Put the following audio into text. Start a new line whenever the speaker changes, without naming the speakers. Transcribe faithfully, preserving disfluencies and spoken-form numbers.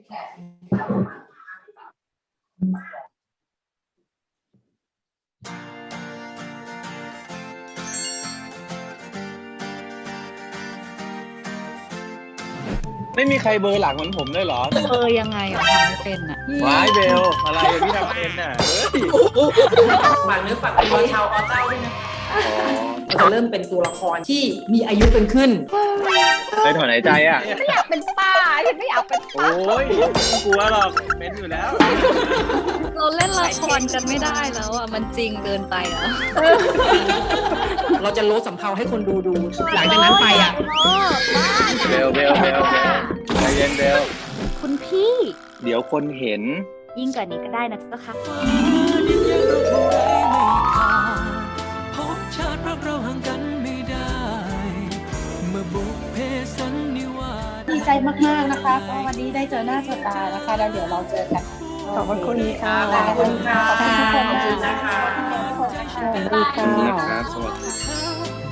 ไม่มีใครเบอร์หลังเหมือนผมด้วยเหรอ
เบอร์ยังไงอ่ะทำไม่เป็นอ่ะ
ว้ายเบลอะไรพี่ทำเป็นน่ะเฮ้ย
ฝากเนื้อฝากตัวชาวอเจ้าด้วยนะเราจะเริ่มเป็นตัวละครที่มีอายุเป็นขึ้น
ไปถอนหายใจอ่ะ
ไม่อยากเป็นป้าฉันไม่อยากเป็นป้า
โอ้ยไม่กลัวหรอกเป็นอยู่แล้ว
เราเล่นละครกันไม่ได้แล้วอ่ะมันจริงเกินไปแล้ว
เราจะโลดสำเภาให้คนดูดูหลังจากนั้นไปอ่ะ
เบลเบลเบลใจเย็นเบล
คุณพี่
เดี๋ยวคนเห็น
ยิ่งกว่านี้ก็ได้นะเจ้าค่ะ
ดีใจมากๆนะคะเพราะวันนี้ได้เจอหน้าเจอตานะคะแล้วเดี๋ยวเราเจอกัน
ขอบคุณค่ะ
ขอบคุณค่ะ
ขอบคุณทุกคนนะคะ
ขอบคุณค่ะ
สวัสดีครับสวัสดี